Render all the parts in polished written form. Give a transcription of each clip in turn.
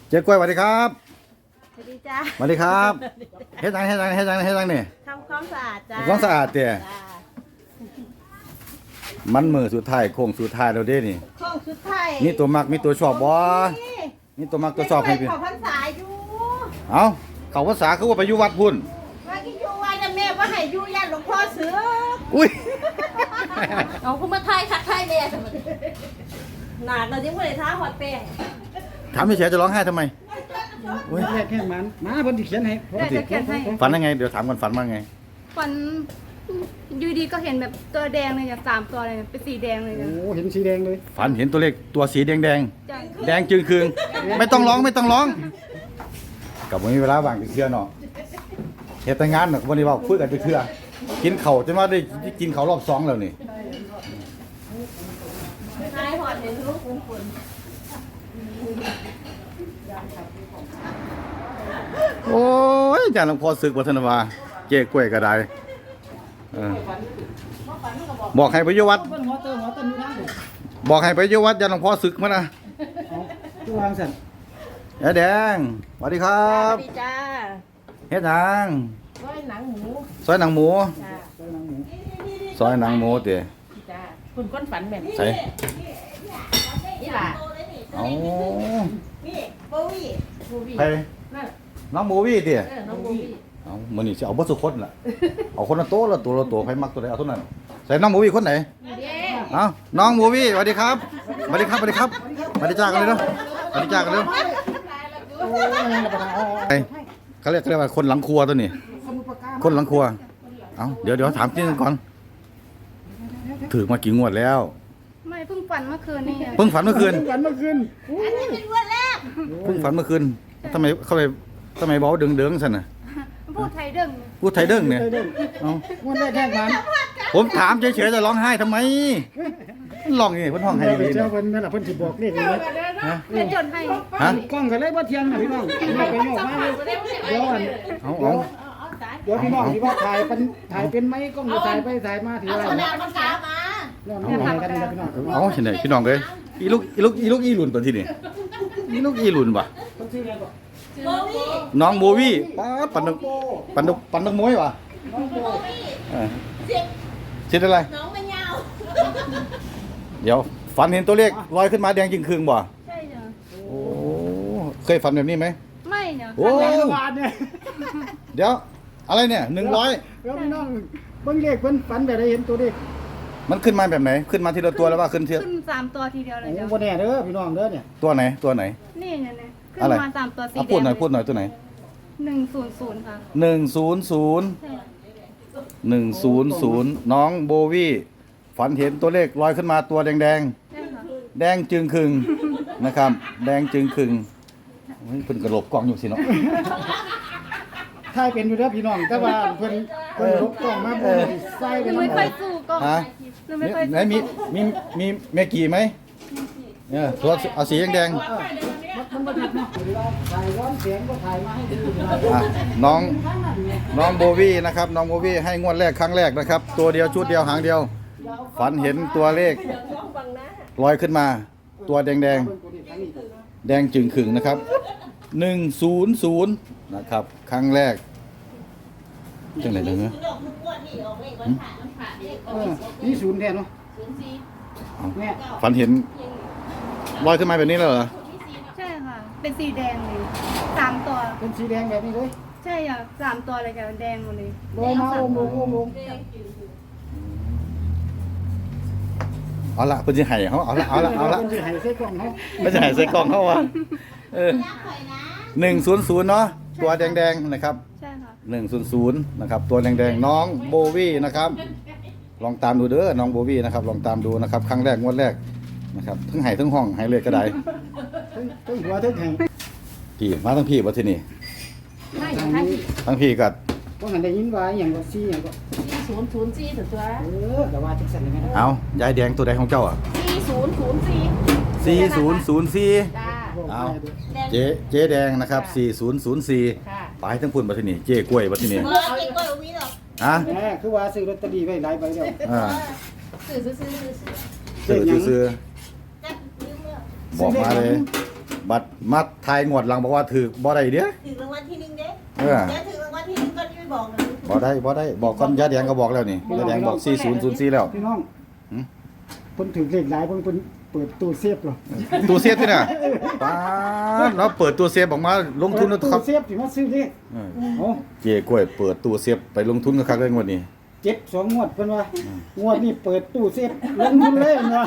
เจ๊กล้วยสวัสดีครับสวัสดีจ้าสวัสดีครับเฮ็ดยังนี่ทำความสะอาดจ้าความสะอาดเตี่ยมันมือสุดท้ายโค้งสุดท้ายแล้วเด้นี่โค้งสุดท้ายนี่ตัวมักมีตัวชอบบ่นี่ตัวมักตัวชอบให้พี่เขาพรรษาอยู่เอ้าเขาภาษาคือว่าไปอยู่วัดพุ่นว่าที่อยู่วัดน่ะแม่ว่าให้อยู่ย่านหลวงพ่อเสืออุ้ยเอาคุณมาไทยคักไทยแม่หนาเราจิ้มคนเลยท้าฮอดแป้งถามพี่เฉยจะร้องไห้ทำไมแรกแค่มันมาเพิ่นสิเขียนให้ฝันยังไงเดี๋ยวถามก่อนฝันว่าไงฝันอยู่ดีก็เห็นแบบตัวแดงเลยจ้ะ3 ตัวเลยเป็นสีแดงเลยจ้ะโอ้เห็นสีแดงเลยฝันเห็นตัวเลขตัวสีแดงแดงจึงคืงไม่ต้องร้องกับวันนี้เวลาว่างไปเที่ยวเนาะเฮ็ดแต่งานเนาะวันนี้ว่าคุยกันไปเที่ยวกินข้าวจนว่าได้กินข้าวรอบ2แล้วนี่ท้ายฮอดเห็นลูกฝนโอ้ยอาจารย์หลวงพ่อศึกวัฒนวาเจ๊กล้วยก็ได้บอกให้ไปอยู่วัดบอกให้ไปอยู่วัดอาจารย์หลวงพ่อศึกมานะตัววางสั่นแดงสวัสดีครับสวัสดีจ้าเฮ็ดหยังซอยหนังหมูซอยหนังหมูจ้าซอยหนังหมูเต๋จ้าคุณก้นฝันแบบใส่นี่ล่ะเอานี่โบวี่ไปน้องโบวี่เต๋น้องโบวี่เอามื้อนี้สิเอาบ่สุคนล่ะเอาคนละโตละตัวไผมักตัวใดเอาเท่านั้นใส่น้องโบวี่คนไหนเอาน้องโบวี่สวัสดีครับสวัสดีจ้ากันเลยเนาะสวัสดีจ้ากันเลยเขาเรียกว่าคนหลังครัวตัวนี้คนหลังครัวเอาเดี๋ยวถามจริงก่อนถือมากี่งวดแล้วไม่เพิ่งฝันเมื่อคืนนี่เพิ่งฝันเมื่อคืนอันนี้เป็นงวดแรกเพิ่งฝันเมื่อคืนทำไมบอกเด้งๆซั่นน่ะพูดไทยเด้งเนี่ยเอาวันแรกแค่มันผมถามเฉยๆจะร้องไห้ทำไมร้องนี่เพิ่นร้องไห้ดีเจ้าเพิ่นนั่นล่ะเพิ่นสิบอกเลขนี่ฮะเป็นจนให้กล้องก็เลยบ่เที่ยงน่ะพี่น้องไปโยกมาเดี๋ยวเดี๋ยวพี่น้องสิว่าถ่ายเป็นไหมกล้องถ่ายไปถ่ายมาถือว่าเอาน้ำกามาน้องกันนะพี่น้องเอาเห็นไหนพี่น้องเอ้ยอีลูกอีหลุนตัวที่นี่อีลูกอีหลุนว่ะน้องโบวี่ปันนกมวยว่ะชิดอะไรน้องมันยาวเดี๋ยวฝันเห็นตัวเลขลอยขึ้นมาแดงจึงคืงบ่ใช่จ้ะโอ้เคยฝันแบบนี้ไหมไม่เนี่ยโอ้เดี๋ยวอะไรเนี่ย100 แล้วพี่น้องเบิ่งเลขเพิ่นฝันแบบได้เห็นตัวเลขมันขึ้นมาแบบไหนขึ้นมาทีละตัวแล้วว่าขึ้น 3 ตัวทีเดียวเลยจ้ะบ่แน่เด้อพี่น้องเด้อเนี่ยตัวไหนนี่เนี่ยขึ้นมา3 ตัวสีแดงพูดหน่อยตัวไหน 100ค่ะ 100น้องโบวี่ฝันเห็นตัวเลขลอยขึ้นมาตัวแดงแดงจึงครึงนะครับแดงจึงครึงเพิ่นกระโดดกล้องอยู่สิเนาะถ่ายเป็นอยู่เด้อพี่น้องแต่ว่าเพิ่นลบกล้องมาบ่ใส่เป็นไม่ค่อยสู้กล้องไหนมีแม่กี่ไหมเนี่ยตัวเอาสีแดงมันบ่ผิดเนาะถ่ายร้อนเสียงก็ถ่ายมาให้ดูน้องโบวี่นะครับน้องโบวี่ให้งวดแรกครั้งแรกนะครับตัวเดียวชุดเดียวหางเดียวฝันเห็นตัวเลขลอยขึ้นมาตัวแดงจึงขึงนะครับ100นะครับครั้งแรกจังไหนเลยเนี่ยนี่0แท้เนาะฝันเห็นลอยขึ้นมาแบบนี้เลยเหรอใช่ค่ะเป็นสีแดงเลย3 ตัวเป็นสีแดงแบบนี้เลยใช่อ่ะ3 ตัวเลยจ้ะแดงหมดเลยลงมาลงเอาละเพิ่นสิให้เขาเอาละเพิ่นสิให้ใส่กล่องเฮาเพิ่นสิให้ใส่กล่องเฮาว่ะ100เนาะตัวแดงๆนะครับใช่ค่ะ 100นะครับตัวแดงๆน้องโบวี่นะครับลองตามดูเด้อน้องโบวี่นะครับลองตามดูนะครับครั้งแรกงวดแรกนะครับทั้งไห้ทั้งห้องไห้เลยก็ได้ทั้งหัวทั้งแข่งพี่มาทั้งพี่บ่ที่นี่ทั้งพี่ก็บ่หันได้ยินว่าหยังก็4หยังก็ 4004ตัวก็ว่าจังซั่นเลยนะเอายายแดงตัวใดของเจ้าอ่ะ4004 จ้าเอาเจ๊แดงนะครับ4004ไปทั้งพุ่นบ่ที่นี่เจ๊กล้วยบ่ที่นี่เอาเจ๊กล้วยบ่มีหรอกคือว่าซื้อลอตเตอรี่ไว้หลายใบแล้วซื้อบอกมาเลยบัตรมัดทายงวดหลังบอกว่าถือบ่ได้เด้อถึงรางวัลที่หนึ่งเด้เออเดี๋ยวถึงรางวัลที่หนึ่งก็ไม่บอกนะบ่ได้บอกก่อนยาแดงก็บอกแล้วนี่ยาแดงบอก4004แล้วพี่น้องหืมเพิ่นถือเลขหลายเพิ่นเปิดตู้เซฟเหรอตู้เซฟที่น่ะป๊าดเราเปิดตู้เซฟออกมาลงทุนนะคตู้รับเซฟที่มาซื้อเลขเออโอ้เจ๊กล้วยเปิดตู้เซฟไปลงทุนกับคักเลยงวดนี้เจ็บ2งวดเพิ่นว่างวดนี้เปิดตู้เซฟลงทุนเลยเพิ่นว่า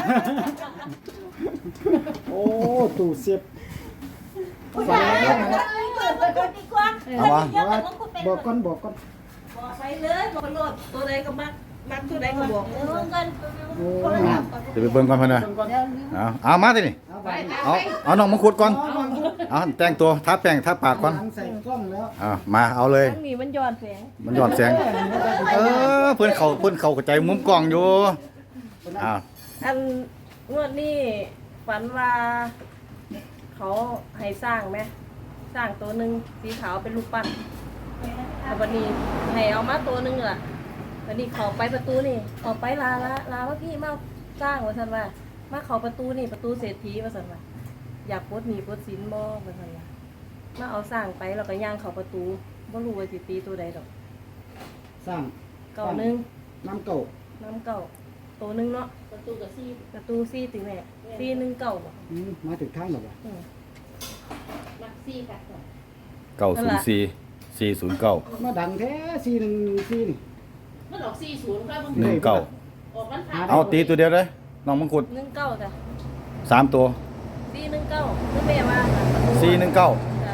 โอ้ตู้เซฟคุณยายบอกดีกว่าเอามาเดี๋ยวมันก็เป็นบอกก่อนบอกไปเลยบอกโลดตัวใดก็มักตัวใดก็บอกรวมกันโอ้คนละงาแบบมจะไปเบิ่งก่อนเพิ่นน่ะเพิ่นก่อนเอามาสินี่เอาไปเอาน้องมังคุดก่อนเอาแต่งตัวทาแป้งทาปากก่อนหลังใส่กล้องแล้วมาเอาเลยทั้งนี้มันย้อนแสงมันย้อนแสงเพื่อนเขาเข้าใจมุมกล้องอยู่อ้าวอันงวดนี้ฝันว่า เขาให้สร้างไหมสร้างตัวหนึ่งสีขาวเป็นรูปปั้นแต่วันนี้ให้เอามาตัวหนึ่งล่ะวันนี้เขาไปประตูนี่เขาไปลาว่าพี่มาสร้างว่าสันว่ามาเขาประตูนี่ประตูเศรษฐีว่าสันว่าอยากปลดหนี้ปลดสินบ่ว่าสันว่ามาเอาสร้างไปแล้วก็ย่างเขาประตูบ่รู้ว่าสิตีตัวใดดอกสร้างเก่าหนึงน้ำเก่าน้ำเก่าตัวหนึงเนาะประตูกับซี่ประตูซี่ถึงแม่ซี่หนึงเก่าบ่มาถึงทางแล้วบ่อืม 904 409 มาดังแท้4114นี่มันออก40ครับ 19 ออกวันผ่านเอาตีตัวเดียวเลยน้องมังคุดหนึ่งเก้าจ้ะ 3ตัวซี่หนึ่งเก้าคือแม่ว่า 419 จ้ะ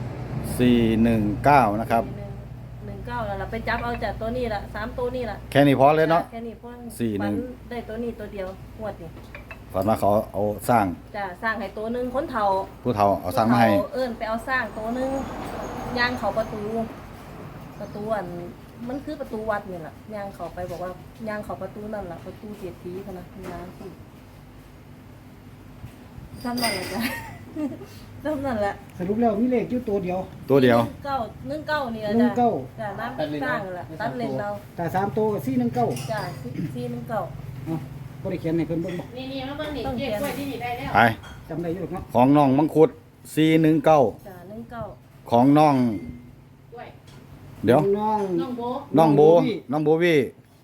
419นะครับหนึ่งเก้าแล้วล่ะไปจับเอาจากตัวนี้ละ3ตัวนี้ละแค่นี้พอเลยเนาะแค่นี้พ่อสี่หนึ่งฝัได้ตัวนี้ตัวเดียวงวดนี่ฝันว่าเขาเอาสร้างจ้ะสร้างให้ตัวหนึงคนเฒ่าผู้เฒ่าเอาสร้างมาให้ผู้เฒ่เอิ้นไปเอาสร้างตัวหนึงย่างเขาประตูอันมันคือประตูวัดนี่แหละย่างเขาไปบอกว่าย่างเขาประตูนั่นแหละประตูเศรษฐีพะนะย่างสิซ้ำนั่นแหละจ้ะ ซ้ำนั่นแหละสรุปแล้วมีเลขอยู่ตัวเดียวตัวเดียว 19นี่แหละหนึ่จ้ะงเก้าจ้ะน้ำสร้างนั่นแหละตัดเลนเราแต่3ตัวก็419 จ้ะซี่19 เอ้าบ่ได้เขียนให้เพิ่นเบิ่งบ่นี่มาเบิ่งนี่เก็บไว้ที่นี่ได้แล้วไปจำได้อยู่หรอกเนาะของน้องมังคุด419 จ้ะ19 ของน้องด้วยเดี๋ยวน้องน้องโบน้องโบวี่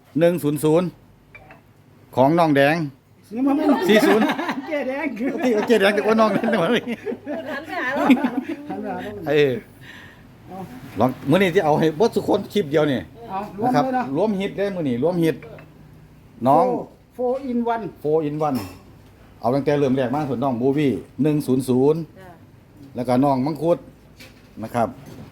100ของน้องแดงนี่มันไม่ 40 แก่แดงคือที่เจ๊แดงแต่ว่าน้องนั่นน่ะนี่พูดหันไปหาเราหันมาแล้วเอ้ยลองมื้อนี้ที่เอาให้เบ่ทุกคนคลิปเดียวนี่เอารวมนะครับเลยนะรวมฮิตได้มื้อนี้รวมฮิตน้อง 4 in 1 4 in 1เอาตั้งแต่เริ่มแรกมาส่วนน้องโบวี่100 จ้ะแล้วก็น้องมังคุดนะครับ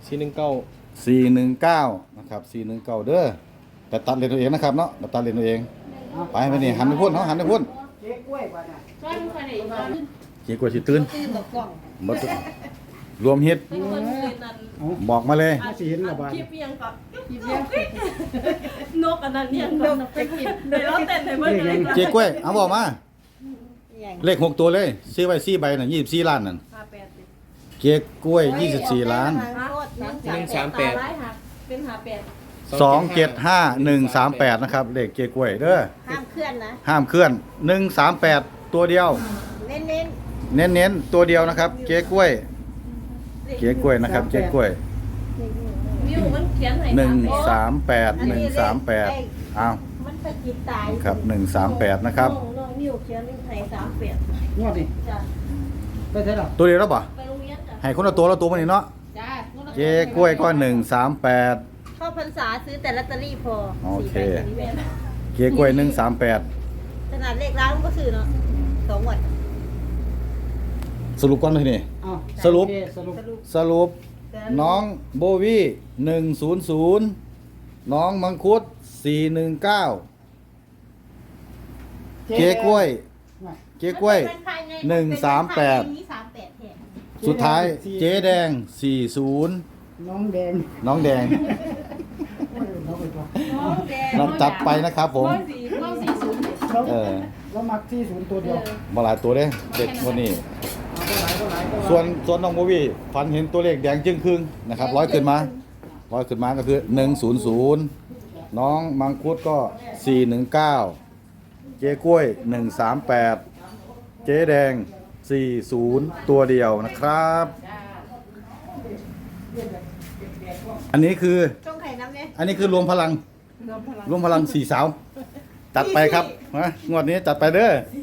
419นะครับ419เด้อแต่ตัดเลนตัวเองนะครับเนาะตัดเลนตัวเองไปไปนี่หันไปพุ่นเฮาหันไปพุ่นเค้กกล้วยบ่เนี่ยก้อนคนไหนก้อนเกี่กว่าสิตื่นตื่นกับกล้องบ่ตื่นรวมฮิตเป็นคนเรียนนั้นบอกมาเลยน่าสิเห็นและบ่คลิปเพียงก่อนคลิปเพียงนกอันนั้นเนี่ยนกไปกินเดี๋ยวเราเต้นให้เบิ่งเลยเจ๊กล้วยเอาบอกมา เลข6ตัวเลยซื้อไว้4ใบน่ะ24ล้านนั่น 58สิเก๊กกล้วย24ล้าน 138ร้ายหักเป็น58 275138นะครับเลขเก๊กกล้วยเด้อห้ามเคลื่อนนะห้ามเคลื่อน138ตัวเดียวเน้นเน้นๆตัวเดียวนะครับ เก๊กกล้วยๆเก๊กกล้วยนะครับเก๊กกล้วยมิวมันเขียนให้ 138อ้าวมันไปกินตายครับ138นะครับน้องมิวเขียนให้38 งวดนี่จ้ะไปเท่าไหร่ตัวเดียวแล้วป่ะไปโรงเรียนจ้ะให้คนละตัวมันนี่เนาะจ้าเก๊กกล้วยก็138 เข้าพรรษาซื้อแต่ลอตเตอรี่พอโอเค 4ใบสี่ใบเก๊กกล้วย138 ขนาดเลขร้านก็ซื้อเนาะ2งวดสรุปก่อนเลยนี่อ้าวสรุปโอเคสรุปสรุปน้องโบวี่100น้องมังคุด419เก๊กกล้วย เก๊กกล้วย138 สุดท้ายเจ๊แดง40 น้องแดงน้องแดงน้องไปตัวน้องแดงเราจัดไปนะครับผมน้อง40 แล้วเออแล้วมักที่ศูนย์ตัวเดียวมาหลายตัวเด้เด็กคนนี้เอาไปหลายก็หลายก็หลายส่วนน้องโบวี่ฝันเห็นตัวเลขแดงจึงครึ่งนะครับร้อยขึ้นมาก็คือ100น้องมังคุดก็419เจ๊กล้วย138เจ๊แดง 40 ตัวเดียวนะครับ อันนี้คือต้องไข่น้ำเนี่ยอันนี้คือรวมพลัง รวมพลัง4 สาว จัดไปครับนะงวดนี้จัดไปเด้อ